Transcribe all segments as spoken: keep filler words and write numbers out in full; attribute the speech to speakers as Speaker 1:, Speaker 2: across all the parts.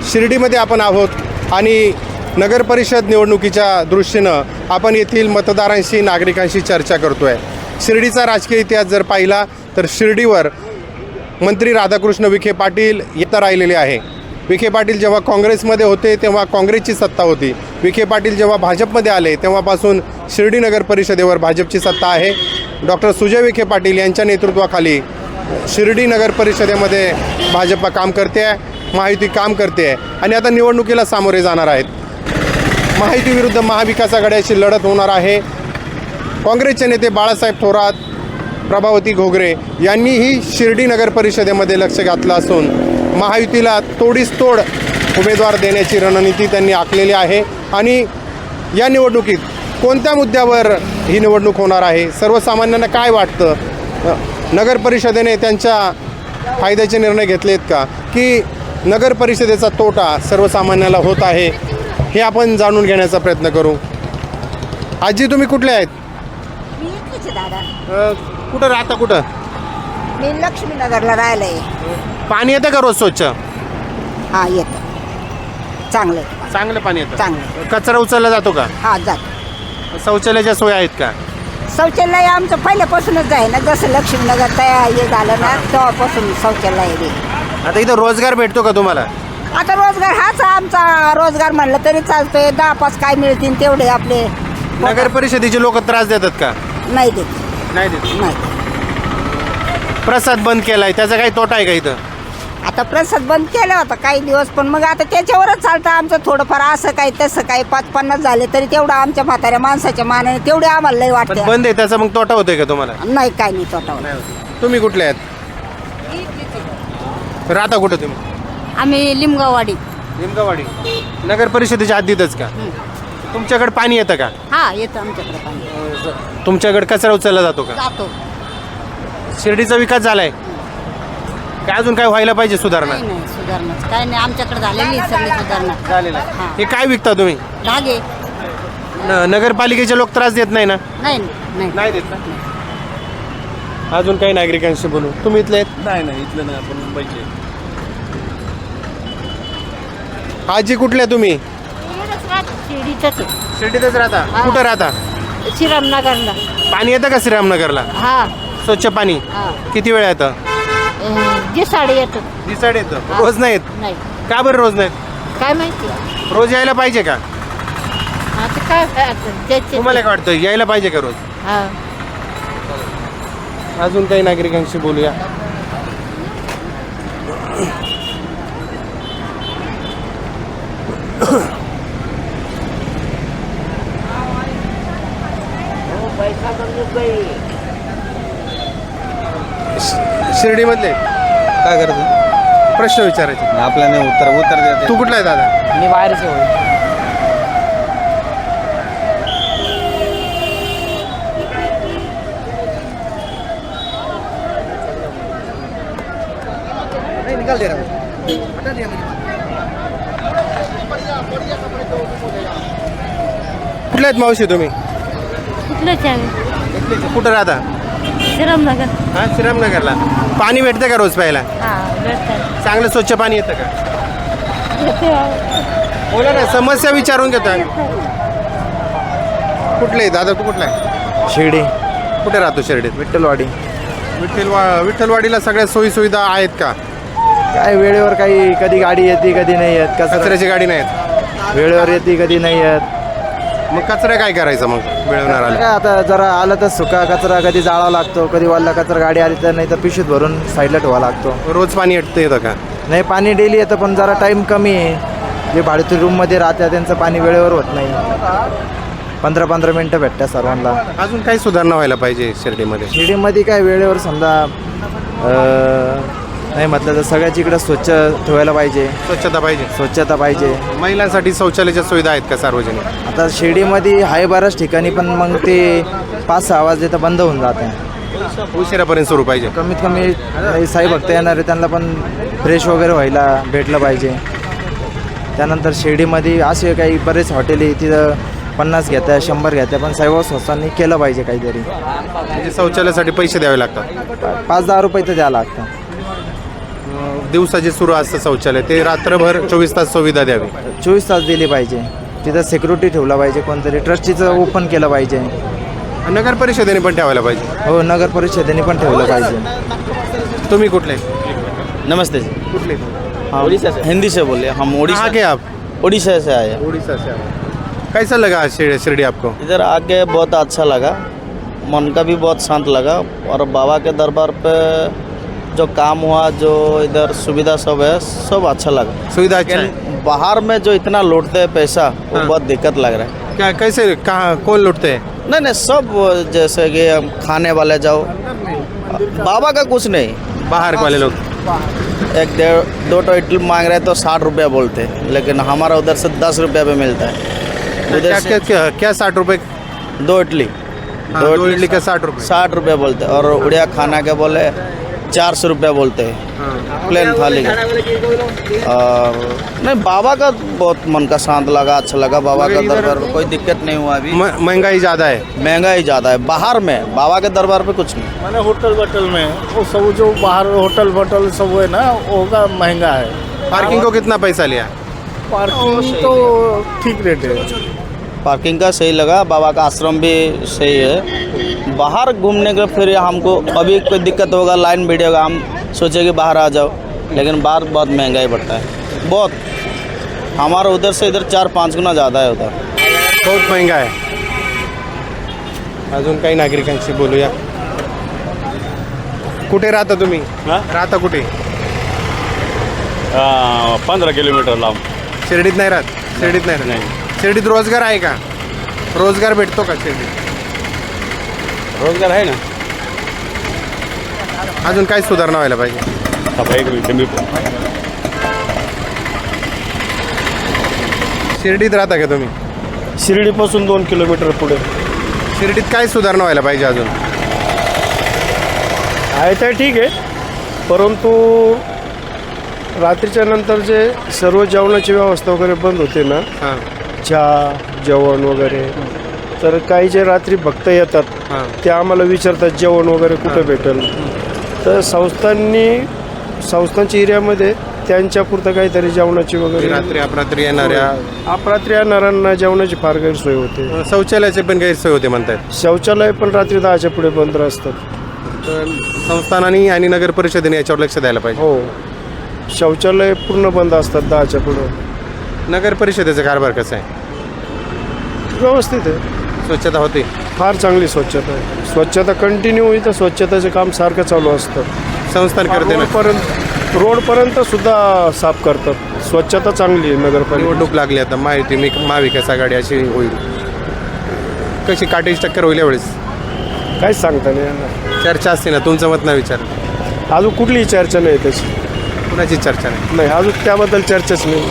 Speaker 1: शिर्डीमध्ये आपण आहोत आणि नगर परिषद निवडणुकीच्या दृष्टीनं आपण येथील मतदारांशी नागरिकांशी चर्चा करतो आहे. शिर्डीचा राजकीय इतिहास जर पाहिला तर शिर्डीवर मंत्री राधाकृष्ण विखे पाटील येता राहिलेले आहे. विखे पाटील जेव्हा काँग्रेसमध्ये होते तेव्हा काँग्रेसची सत्ता होती. विखे पाटील जेव्हा भाजपमध्ये आले तेव्हापासून शिर्डी नगर परिषदेवर भाजपची सत्ता आहे. डॉक्टर सुजय विखे पाटील यांच्या नेतृत्वाखाली शिर्डी नगर परिषदेमध्ये भाजप काम करते आहे, महायुती काम करते आहे आणि आता निवडणुकीला सामोरे जाणार आहेत. महायुती विरुद्ध महाविकास आघाडीची लढत होणार आहे. काँग्रेसचे नेते बाळासाहेब थोरात, प्रभावती घोगरे यांनीही शिर्डी नगर परिषदेमध्ये लक्ष घातलं असून महायुतीला तोडीस तोड उमेदवार देण्याची रणनीती त्यांनी आखलेली आहे. आणि या निवडणुकीत कोणत्या मुद्द्यावर ही निवडणूक होणार आहे, सर्वसामान्यांना काय वाटतं, नगर परिषदेने त्यांच्या फायद्याचे निर्णय घेतलेत का, की नगर परिषदेचा तोटा सर्वसामान्याला होत आहे, हे आपण जाणून घेण्याचा प्रयत्न करू. आजी, तुम्ही कुठले आहेत?
Speaker 2: मी इथलीच आहे दादा.
Speaker 1: अ, कुठं राहता? कुठं?
Speaker 2: मी लक्ष्मीनगरला राहिलं आहे.
Speaker 1: पाणी येतं का रोज स्वच्छ?
Speaker 2: हां, येतं. चांगलं आहे.
Speaker 1: चांगलं पाणी येतं.
Speaker 2: चांगलं.
Speaker 1: कचरा उचलला जातो का?
Speaker 2: हां, जात.
Speaker 1: शौचालयाच्या सोयी आहेत का?
Speaker 2: शौचालय आमचं पहिल्यापासूनच आहे ना, जसं लक्ष्मीनगर तयार हे झालं ना तेव्हापासून शौचालय आहे.
Speaker 1: आता इथं रोजगार भेटतो का तुम्हाला?
Speaker 2: आता रोजगार हाच आमचा रोजगार म्हणलं तरी चालतोय. दहा पाच काय मिळतील तेवढे आपले.
Speaker 1: नगर परिषदेचे लोक त्रास देतात का?
Speaker 2: नाही देत.
Speaker 1: नाही देत.
Speaker 2: नाही.
Speaker 1: प्रसाद बंद केलाय, त्याचा काही तोटा आहे का इथं?
Speaker 2: आता प्रसाद बंद केला होता काही दिवस, पण मग आता त्याच्यावरच चालतं आमचं. थोडंफार असं काही तसं काही पाच पन्नास झाले तरी तेवढं आमच्या म्हाताऱ्या माणसाच्या मानाने तेवढे आम्हाला लई
Speaker 1: पण
Speaker 2: वाटतं.
Speaker 1: बंद आहे त्याचा मग तोटा होतोय का तुम्हाला?
Speaker 2: नाही, काय नाही तोटावर.
Speaker 1: तुम्ही कुठले आहेत? राहता कुठं तुम्ही?
Speaker 3: आम्ही लिमगाववाडी.
Speaker 1: लिमगावाडी. नगर परिषदेच्या हद्दीतच का? तुमच्याकडे पाणी येतं का?
Speaker 3: हा, येतं आमच्याकडे पाणी.
Speaker 1: तुमच्याकडे कचरा उचलला जातो का?
Speaker 3: जातो.
Speaker 1: शिर्डीचा विकास झालाय काय? अजून काय व्हायला पाहिजे सुधारणा?
Speaker 3: नाही नाही सुधारणा काय नाही, आमच्याकडे झालेली आहे सगळी सुधारणा.
Speaker 1: झालेला
Speaker 3: हा.
Speaker 1: हे काय विकता तुम्ही?
Speaker 3: धागे.
Speaker 1: न- नगरपालिकेचे लोक त्रास देत नाही ना?
Speaker 3: नाही नाही
Speaker 1: नाही देत ना? अजून काही नागरिकांशी बोलू. तुम्ही इथले आहेत?
Speaker 4: नाही नाही इथलं नाही, आपण मुंबईचे.
Speaker 1: आजी, कुठले तुम्ही?
Speaker 3: शिर्डीतच
Speaker 1: शिर्डीतच राहता?
Speaker 3: हा.
Speaker 1: कुठं राहता?
Speaker 3: श्रीरामनगरला.
Speaker 1: पाणी येतं का श्रीरामनगरला?
Speaker 3: हा
Speaker 1: स्वच्छ पाणी
Speaker 3: हा.
Speaker 1: किती वेळा येतं?
Speaker 3: जे साडे येतं.
Speaker 1: दिसाड येतं.
Speaker 3: हा.
Speaker 1: रोज नाही येत
Speaker 3: नाही.
Speaker 1: का बरं? रोज नाहीत?
Speaker 3: काय माहिती.
Speaker 1: रोज यायला पाहिजे का?
Speaker 3: आता काय आता ज्याचे-
Speaker 1: तुम्हाला काय वाटतं, यायला पाहिजे का रोज?
Speaker 3: हा.
Speaker 1: अजून काही नागरिकांशी बोलूया. शिर्डीमधले
Speaker 4: काय करतो?
Speaker 1: प्रश्न विचारायचे.
Speaker 4: आपल्याला उत्तर उत्तर देते.
Speaker 1: तू कुठला आहे दादा?
Speaker 4: मी बाहेरचे होय.
Speaker 1: कुठले आहेत मावशी तुम्ही?
Speaker 3: कुठलंच आहे.
Speaker 1: कुठं राहता?
Speaker 3: श्रीरामनगर.
Speaker 1: हा, श्रीरामनगरला. पाणी भेटतं का रोज प्यायला?
Speaker 3: हा, भेटतात.
Speaker 1: चांगलं स्वच्छ पाणी येतं का? बोला ना, समस्या विचारून घेतो आम्ही. कुठले दादा? तू कुठला आहे?
Speaker 4: शिर्डी
Speaker 1: कुठे राहतो शिर्डीत?
Speaker 4: विठ्ठलवाडी.
Speaker 1: विठ्ठलवा विठ्ठलवाडीला सगळ्या सोयी सुविधा आहेत का?
Speaker 4: काय वेळेवर काही कधी गाडी येते कधी नाही येत. कचरा
Speaker 1: कचऱ्याची गाडी नाहीत?
Speaker 4: वेळेवर येते कधी नाही येत.
Speaker 1: मग कचरा काय करायचं मग मिळवणार आलं?
Speaker 4: काय आता जरा आलं तर सुका कचरा कधी जाळावा लागतो, कधी वाल्ला कचरा गाडी आली तर, नाही तर पिशवीत भरून साईडला ठेवावा लागतो.
Speaker 1: रोज पाणी येतं येतं का?
Speaker 4: नाही, पाणी डेली येतं पण जरा टाईम कमी आहे. जे भाडीतील रूममध्ये राहतात त्यांचं पाणी वेळेवर होत नाही. पंधरा पंधरा मिनटं भेटतात सर्वांना.
Speaker 1: अजून काही सुधारणा व्हायला पाहिजे शिर्डीमध्ये?
Speaker 4: शिर्डीमध्ये काय वेळेवर समजा अं, नाही म्हटलं तर सगळ्याच इकडं स्वच्छ ठेवायला पाहिजे.
Speaker 1: स्वच्छता पाहिजे.
Speaker 4: स्वच्छता पाहिजे.
Speaker 1: महिलांसाठी शौचालयाच्या सुविधा आहेत का सार्वजनिक?
Speaker 4: आता शिर्डीमध्ये आहे बऱ्याच ठिकाणी पण मग ते पाच सहा वाजले तर बंद होऊन जाते.
Speaker 1: उशिरापर्यंत सुरू पाहिजे.
Speaker 4: कमीत कमी साई भक्त येणार आहे त्यांना पण फ्रेश वगैरे व्हायला भेटलं पाहिजे. त्यानंतर शिर्डीमध्ये असे काही बरेच हॉटेल आहे तिथं पन्नास घेत्या शंभर घेत्या पण साईबाबा संस्थांनी केलं पाहिजे काहीतरी.
Speaker 1: म्हणजे शौचालयासाठी पैसे द्यावे लागतात?
Speaker 4: पाच दहा रुपये तर द्यावं लागतं.
Speaker 1: अं, दिवसाचे सुरू असतं शौचालय ते रात्रभर चोवीस तास सुविधा द्यावी.
Speaker 4: चोवीस तास दिली पाहिजे. तिथं सिक्युरिटी ठेवला पाहिजे, कोणतरी ट्रस्टीचं ओपन केलं पाहिजे.
Speaker 1: नगर परिषदेने पण ठेवायला पाहिजे.
Speaker 4: हो, नगर परिषदेने पण ठेवलं पाहिजे.
Speaker 1: तुम्ही कुठले
Speaker 5: नमस्ते जी।
Speaker 1: कुठले
Speaker 5: हाँ हिंदी से बोले हम
Speaker 1: कहाँ
Speaker 5: उड़ीसा
Speaker 1: के आप?
Speaker 5: उड़ीसा से आए हैं।
Speaker 1: उड़ीसा से आए. कैसा लगा आज शिर- शिरडी आपको?
Speaker 5: इधर आके बहुत अच्छा लगा, मन का भी बहुत शांत लगा और बाबा के दरबार पे जो काम हुआ, जो इधर सुविधा सब है, सब अच्छा लगा।
Speaker 1: सुविधा अच्छा है.
Speaker 5: लेकिन बाहर में जो इतना लूटते हैं पैसा, वो
Speaker 1: हाँ।
Speaker 5: बहुत दिक्कत लग रहा है।
Speaker 1: क्या कैसे कहाँ कौन लुटते हैं?
Speaker 5: नहीं नहीं सब, जैसे कि हम खाने वाले जाओ, बाबा का कुछ नहीं।
Speaker 1: बाहर वाले लोग
Speaker 5: एक डेढ़ दो तो इडली मांग रहे तो साठ रुपया बोलते हैं, लेकिन हमारा उधर से दस रुपया पे मिलता है।
Speaker 1: क्या
Speaker 5: उधर
Speaker 1: क्या
Speaker 5: से
Speaker 1: क्या क्या साठ रुपए?
Speaker 5: दो इडली
Speaker 1: हाँ, दो इडली का साठ रुपए.
Speaker 5: साठ रुपया बोलते हैं, और उड़िया खाना के बोले चार सौ रुपया बोलते हैं
Speaker 1: हाँ.
Speaker 5: प्लेन थाली का। और नहीं, बाबा का बहुत मन का शांत लगा, अच्छा लगा। बाबा का दरबार में कोई दिक्कत नहीं हुआ अभी।
Speaker 1: म- महंगाई ज़्यादा है.
Speaker 5: महंगाई ज़्यादा है बाहर में, बाबा के दरबार पे कुछ नहीं।
Speaker 6: मैंने होटल वोटल में वो सब जो बाहर होटल वोटल सब है ना, वो का महंगा है।
Speaker 1: पार्किंग को कितना पैसा लिया?
Speaker 6: पार्किंग तो ठीक रेट है।
Speaker 5: पार्किंग का सही लगा, बाबा का आश्रम भी सही है। बाहर घूमने का फिर हमको अभी कोई दिक्कत होगा, लाइन भिड़ेगा, हम सोचे कि बाहर आ जाओ, लेकिन बाहर बहुत महंगाई बढ़ता है बहुत। हमारा उधर से इधर चार पाँच गुना ज़्यादा है उधर।
Speaker 1: बहुत महंगा आहे. अजून काही नागरिकांशी बोलूया. कुठे राहता तुम्ही? राहता कुठे?
Speaker 7: पंधरा किलोमीटर लांब.
Speaker 1: शिर्डीत नाही राहत? शिर्डीत नाही राहत. शिर्डीत रोजगार आहे का? रोजगार भेटतो का शिर्डीत?
Speaker 7: रोजगार आहे ना.
Speaker 1: अजून काय सुधारणा व्हायला पाहिजे?
Speaker 7: सफाई कमी.
Speaker 1: शिर्डीत राहता का तुम्ही?
Speaker 6: शिर्डीपासून दोन किलोमीटर पुढे
Speaker 1: शिर्डीत काय सुधारणा व्हायला पाहिजे अजून?
Speaker 6: आहे तर ठीक आहे, परंतु रात्रीच्या नंतर जे सर्व जेवणाची व्यवस्था वगैरे बंद होते ना,
Speaker 1: हां
Speaker 6: चहा जेवण वगैरे, तर काही जे रात्री भक्त येतात
Speaker 1: हां
Speaker 6: ते आम्हाला विचारतात जेवण वगैरे कुठं भेटेल. तर संस्थांनी संस्थांच्या एरियामध्ये त्यांच्यापुरतं काहीतरी जेवणाची वगैरे
Speaker 1: रात्री अपरात्री येणाऱ्या
Speaker 6: अपरात्री येणाऱ्यांना जेवणाची फार गैरसोय होते.
Speaker 1: शौचालयाचे पण गैरसोय होते म्हणतात.
Speaker 6: शौचालय पण रात्री दहाच्या पुढे बंद असतात.
Speaker 1: तर संस्थानांनी आणि नगर परिषदेने याच्यावर लक्ष द्यायला पाहिजे.
Speaker 6: हो, शौचालय पूर्ण बंद असतात दहाच्या पुढे.
Speaker 1: नगर परिषदेचा कारभार कसा आहे?
Speaker 6: व्यवस्थित आहे,
Speaker 1: स्वच्छता होते?
Speaker 6: फार चांगली स्वच्छता आहे. स्वच्छता कंटिन्यू इथं स्वच्छतेचं काम सारखं चालू असतं.
Speaker 1: संस्थान करते ना.
Speaker 6: रोडपर्यंत रोडपर्यंत सुद्धा साफ करतात. स्वच्छता चांगली आहे नगरपालिका.
Speaker 1: निवडणूक लागली आता, माहिती मी महाविकास आघाडी अशी होईल. कशी काटेची टक्कर होईल यावेळेस?
Speaker 6: काहीच सांगता नाही येणार.
Speaker 1: चर्चा असते ना, तुमचं मत नाही विचार.
Speaker 6: अजून कुठलीही चर्चा नाही त्याची.
Speaker 1: कुणाची चर्चा नाही?
Speaker 6: नाही, अजून त्याबद्दल चर्चाच नाही.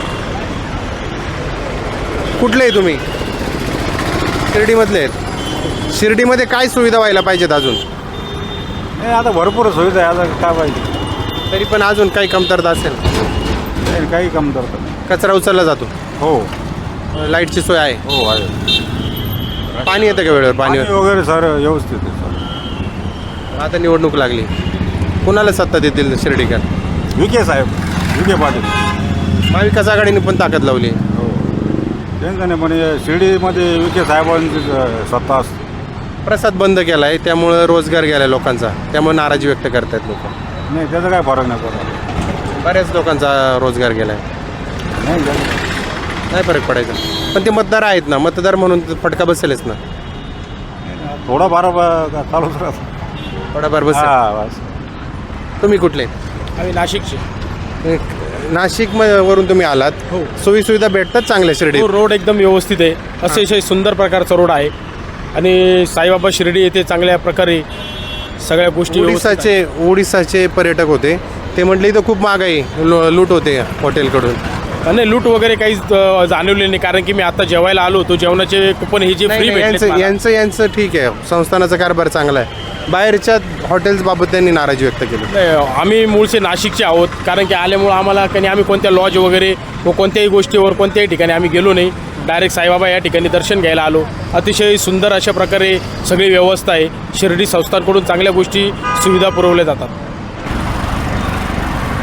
Speaker 1: कुठले आहे तुम्ही? शिर्डीमधले आहेत. शिर्डीमध्ये काय सुविधा व्हायला पाहिजेत अजून?
Speaker 7: नाही, आता भरपूर सुविधा आहे. आता काय पाहिजे?
Speaker 1: तरी पण अजून काही कमतरता असेल?
Speaker 7: नाही, काही कम करतात.
Speaker 1: कचरा उचलला जातो?
Speaker 7: हो
Speaker 1: लाईटची सोय आहे?
Speaker 7: हो आहे.
Speaker 1: पाणी येतं का वेळेवर? पाणी
Speaker 7: पाणी वगैरे सर व्यवस्थित आहे सर.
Speaker 1: आता निवडणूक लागली, कुणाला सत्ता देतील शिर्डीकर?
Speaker 7: विखे साहेब, विखे पाटील.
Speaker 1: महाविकास आघाडीने पण ताकद लावली.
Speaker 7: हो, त्यांचं नाही, पण हे शिर्डीमध्ये विखे साहेबांची सत्ता असते.
Speaker 1: प्रसाद बंद केला आहे, त्यामुळं रोजगार गेला लोकांचा, त्यामुळे नाराजी व्यक्त करतात लोक.
Speaker 7: नाही, त्याचा काय फरक नाही पडत.
Speaker 1: बऱ्याच लोकांचा रोजगार गेला आहे.
Speaker 7: नाही त्याचा
Speaker 1: नाही फरक पडायचा. पण ते मतदार आहेत ना, मतदार म्हणून फटका बसेलच ना.
Speaker 7: थोडंफार ब- चालूच राहतं.
Speaker 1: थोडाफार बसेल.
Speaker 7: हा बस.
Speaker 1: तुम्ही कुठले?
Speaker 6: आम्ही नाशिकचे.
Speaker 1: नाशिक म- वरून तुम्ही आलात.
Speaker 6: हो.
Speaker 1: सोयी सुविधा भेटतात चांगल्या शिर्डीत?
Speaker 6: तो रोड एकदम व्यवस्थित आहे. अतिशय सुंदर प्रकारचा रोड आहे आणि साईबाबा शिर्डी येथे चांगल्या प्रकारे सगळ्या गोष्टी व्यवस्थित आहेत.
Speaker 1: ओडिसाचे ओडिसाचे पर्यटक होते, ते म्हटले इथं खूप महागाई लो- लूट होते हॉटेलकडून.
Speaker 6: नाही, लूट वगैरे काहीच अ, जाणवले नाही, कारण की मी आता जेवायला आलो होतो. जेवणाचे कुपन हे जे
Speaker 1: नाही,
Speaker 6: फ्री
Speaker 1: नाही, यांचं
Speaker 6: भेटले
Speaker 1: यांचं यांचं ठीक आहे, संस्थानाचा कारभार चांगला आहे. बाहेरच्या हॉटेल्सबाबत त्यांनी नाराजी व्यक्त केली.
Speaker 6: आम्ही मूळचे नाशिकचे आहोत, कारण की आल्यामुळं आम्हाला काही आम्ही कोणत्या लॉज वगैरे व कोणत्याही गोष्टीवर कोणत्याही ठिकाणी आम्ही गेलो नाही. डायरेक्ट साईबाबा या ठिकाणी दर्शन घ्यायला आलो. अतिशय सुंदर अशा प्रकारे सगळी व्यवस्था आहे. शिर्डी संस्थांकडून चांगल्या गोष्टी सुविधा पुरवल्या जातात.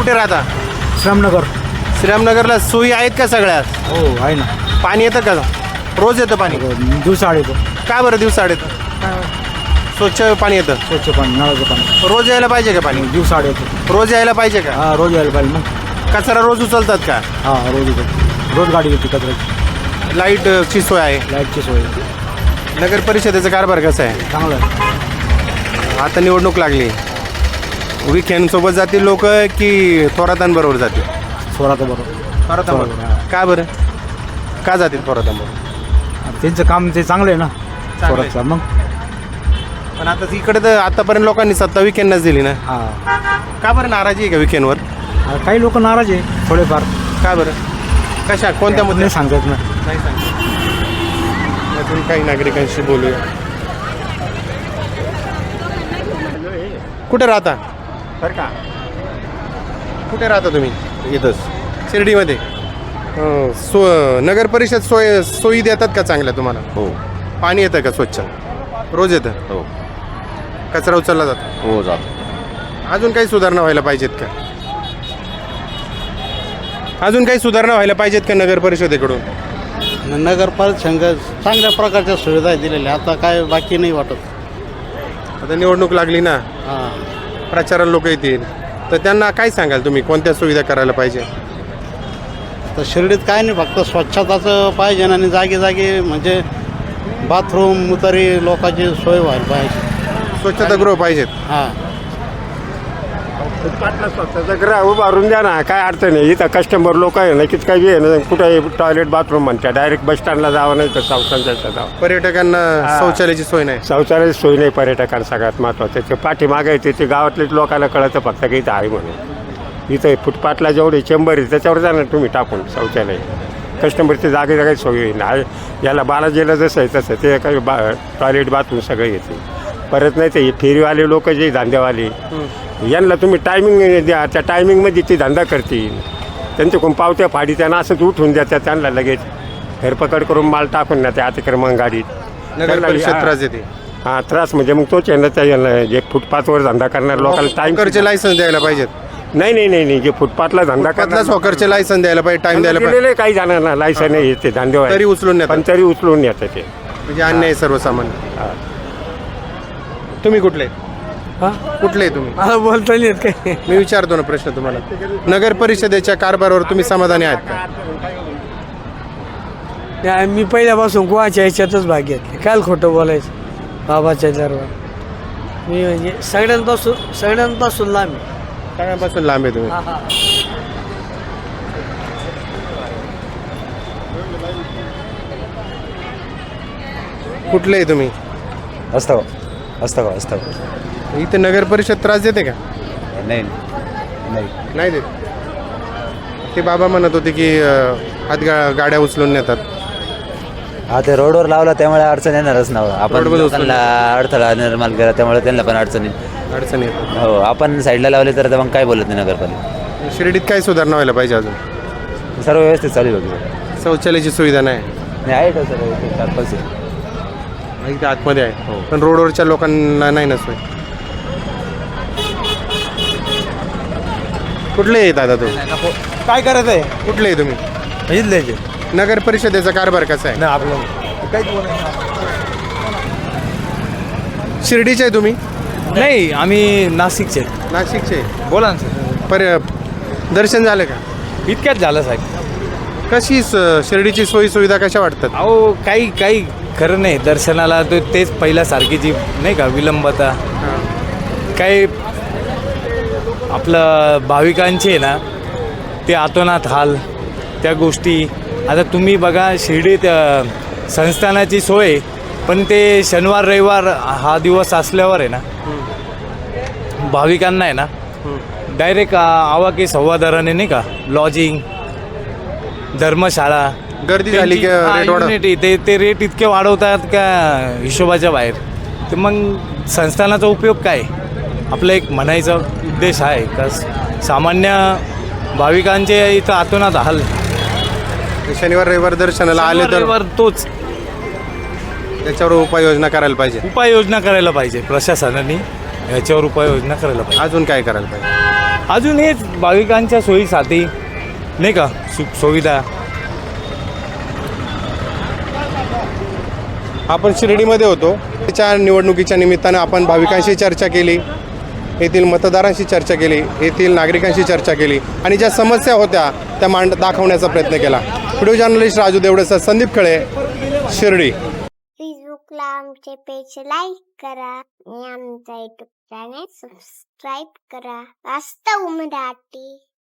Speaker 1: कुठे राहता?
Speaker 8: श्रामनगर.
Speaker 1: श्रीरामनगरला सोयी आहेत का सगळ्या?
Speaker 8: हो आहे ना.
Speaker 1: पाणी येतं का? रोज येतं पाणी?
Speaker 8: दिवसाआड येतो.
Speaker 1: का बरं दिवसाआड येतं? स्वच्छ पाणी येतं?
Speaker 8: स्वच्छ पाणी, नळाचं पाणी
Speaker 1: रोज यायला पाहिजे का पाणी?
Speaker 8: दिवसाआड येतो.
Speaker 1: रोज यायला पाहिजे का?
Speaker 8: हा रोज यायला पाहिजे मग.
Speaker 1: कचरा रोज उचलतात का?
Speaker 8: हा रोज येतो. रोज गाडी येते कचऱ्याची.
Speaker 1: लाईटची सोय आहे?
Speaker 8: लाईटची सोय
Speaker 1: नगर परिषदेचा कारभार कसा आहे?
Speaker 8: चांगलं आहे.
Speaker 1: आता निवडणूक लागली, विखेंसोबत जातील लोक की थोरातांबरोबर जातील?
Speaker 8: स्वराचं बरोबर.
Speaker 1: थोरातांबरोबर. का बरं का जातील थोरातांबरोबर?
Speaker 8: त्यांचं काम ते चांगलं आहे ना स्वराचं. मग
Speaker 1: पण आता इकडे तर आतापर्यंत लोकांनी सत्ता विखेंनाच दिली ना.
Speaker 8: हा
Speaker 1: का बरं नाराजी आहे का विखेंवर?
Speaker 8: काही लोक नाराज आहे थोडेफार.
Speaker 1: का बरं? कशा कोणत्या मुद्दे
Speaker 8: नाही सांगतात ना.
Speaker 1: नाही सांगतो. यातून काही नागरिकांशी बोलूया. कुठे राहता?
Speaker 7: बरं का
Speaker 1: कुठे राहता तुम्ही?
Speaker 7: इथंच.
Speaker 1: शिर्डीमध्ये. अं, सो नगर परिषद सोय सोयी देतात का चांगल्या तुम्हाला?
Speaker 7: हो
Speaker 1: पाणी येतं का स्वच्छ? रोज येतं?
Speaker 7: हो
Speaker 1: कचरा उचलला जातो?
Speaker 7: हो जातो.
Speaker 1: अजून काही सुधारणा व्हायला पाहिजेत का? अजून काही सुधारणा व्हायला पाहिजेत का नगर परिषदेकडून?
Speaker 9: नगर परिषद चांगल्या प्रकारच्या सुविधा दिलेल्या, आता काय बाकी नाही वाटत.
Speaker 1: आता निवडणूक लागली ना,
Speaker 9: हां
Speaker 1: प्रचाराला लोक येतील, तर त्यांना काय सांगाल तुम्ही कोणत्या सुविधा करायला पाहिजे?
Speaker 9: तर शिर्डीत काय नाही, फक्त स्वच्छताचं पाहिजे आणि जागी जागी म्हणजे बाथरूम मुतारी लोकांची सोय व्हायला पाहिजे.
Speaker 1: स्वच्छतागृह पाहिजेत.
Speaker 9: हां
Speaker 7: फुटपाथला स्वच्छता ग्रह उभारून द्या ना, काय अडचण आहे. इथं कस्टमर लोक आहे ना, किती काही आहे ना, कुठे टॉयलेट बाथरूम म्हणतात, डायरेक्ट बस स्टँडला जावं नाही तर संस्थांच्या जावं.
Speaker 1: पर्यटकांना शौचालयाची सोय नाही.
Speaker 7: शौचालयाची सोय नाही पर्यटकांना सगळ्यात महत्त्वाचं. ते पाठीमागे येते ते गावातलेच लोकांना कळतं फक्त की इथं आहे म्हणून. इथं फुटपाथला जेवढे चेंबर आहे त्याच्यावर जाणार तुम्ही टाकून शौचालय. कस्टमरची जागे जागे सोय होईल. याला बालाजीला जसं आहे तसं ते काही बा टॉयलेट बाथरूम सगळं येते. परत नाही ते फेरीवाले लोक जे धंदेवाले, यांना तुम्ही टायमिंग द्या, त्या टायमिंगमध्ये ते धंदा करतील. त्यांच्याकडून पावत्या फाडी त्यांना असंच उठून द्या, त्या त्यांना लगेच फेरपकड करून माल टाकून ना त्या अतिक्रमण गाडीत.
Speaker 1: नगर परिषद त्रास देते.
Speaker 7: हां त्रास म्हणजे मग तोच यांना त्या यांना जे फुटपाथवर धंदा करणार लोकांना टाईम
Speaker 1: हॉकरचे लायसन्स द्यायला पाहिजेत.
Speaker 7: नाही नाही नाही नाही जे फुटपाथला धंदा
Speaker 1: फुटपाथलाच हॉकरचे लायसन्स द्यायला पाहिजे, टाइम द्यायला पाहिजे.
Speaker 7: दिलेले काही जाणार लायसन नाही येते धंदेवाले,
Speaker 1: तरी उचलून नेतात.
Speaker 7: पण तरी उचलून येतं ते.
Speaker 1: म्हणजे अन्याय आहे सर्वसामान्य.
Speaker 7: हां.
Speaker 1: तुम्ही कुठले कुठले तुम्ही?
Speaker 8: मला बोलता नाही येत काही.
Speaker 1: मी विचारतो ना प्रश्न तुम्हाला. नगर परिषदेच्या कारभारावर तुम्ही समाधानी आहात का?
Speaker 8: नाही, मी पहिल्यापासून कोणाच्या ह्याच्यातच भाग घेतले. काल खोटं बोलायचं बाबाच्या दरबार. मी म्हणजे सगळ्यांपासून सगळ्यांपासून लांब आहे.
Speaker 1: सगळ्यांपासून लांब आहे तुम्ही. कुठले आहे तुम्ही?
Speaker 4: असतं असतं का असतं
Speaker 1: इथे नगर परिषद त्रास देते का?
Speaker 4: नाही नाही
Speaker 1: नाही देत. ते बाबा म्हणत होते की अं, हात गा गाड्या उचलून नेतात.
Speaker 4: हा ते रोडवर लावला त्यामुळे अडचण येणारच ना. आपण
Speaker 1: रोडवर उचलून
Speaker 4: लोकांना अडथळा निर्माण केला त्यामुळे त्यांना पण अडचण येईल.
Speaker 1: अडचण येतात.
Speaker 4: हो आपण साईडला लावले तर मग काय बोलत नाही नगरपालिका.
Speaker 1: शिर्डीत काय सुधारणा व्हायला पाहिजे अजून?
Speaker 4: सर्व व्यवस्थित चालू होती.
Speaker 1: शौचालयाची सुविधा नाही.
Speaker 4: नाही आहे का सर चार पाच
Speaker 1: इथे आतमध्ये आहे, पण रोडवरच्या लोकांना नाही ना सोय. कुठले आहे दादा तुम्ही?
Speaker 8: काय करायचं आहे?
Speaker 1: कुठले आहे तुम्ही?
Speaker 8: इथले
Speaker 1: नगर परिषदेचा कारभार कसा आहे?
Speaker 8: नाही आपलं काहीच
Speaker 1: शिर्डीचे आहे तुम्ही?
Speaker 8: नाही, आम्ही नाशिकचे.
Speaker 1: नाशिकचे.
Speaker 8: बोला ना सर.
Speaker 1: पर दर्शन झालं का?
Speaker 8: इतक्यात झालं साहेब.
Speaker 1: कशी स- शिर्डीची सोयी सुविधा कशा वाटतात?
Speaker 8: अहो काही काही खरं नाही. दर्शनाला तो तेच पहिल्यासारखी जी नाही का विलंबता काही आपलं भाविकांचे ना ते आतोनात हाल त्या गोष्टी. आता तुम्ही बघा शिर्डीत अ, संस्थानाची सोय, पण ते शनिवार रविवार हा दिवस असल्यावर आहे ना भाविकांना आहे ना डायरेक्ट आवाके सव्वादाराने नाही का लॉजिंग धर्मशाळा
Speaker 1: गर्दी झाली की
Speaker 8: त्यांची- हा,
Speaker 1: रेट वाढ-
Speaker 8: युनिटी ते ते रेट इतके वाढवतात का हिशोबाच्या बाहेर. तर मग संस्थानाचा उपयोग काय? आपला एक म्हणायचा उद्देश आहे का सामान्य भाविकांचे इथं आतोनात हाल.
Speaker 1: शनिवार रविवार दर्शनाला आले तर
Speaker 8: शनिवार तोच
Speaker 1: त्याच्यावर उपाययोजना करायला पाहिजे.
Speaker 8: उपाययोजना करायला पाहिजे प्रशासनाने. ह्याच्यावर उपाययोजना करायला पाहिजे.
Speaker 1: अजून काय करायला पाहिजे?
Speaker 8: अजून हेच भाविकांच्या सोयीसाठी नाही का सुख सुविधा.
Speaker 1: आपण शिर्डीमध्ये होतो. त्याच्या निवडणुकीच्या निमित्तानं आपण भाविकांशी चर्चा केली, येथील मतदारांशी चर्चा केली, येथील नागरिकांशी चर्चा केली आणि ज्या समस्या होत्या त्या मांड दाखवण्याचा प्रयत्न केला. व्हिडिओ जर्नलिस्ट राजू देवडेसह संदीप खळे, शिर्डी.
Speaker 10: फेसबुकला आमचे पेज लाईक करा आणि आमचा युट्यूब चॅनेल सबस्क्राईब करा. वास्तव मराठी.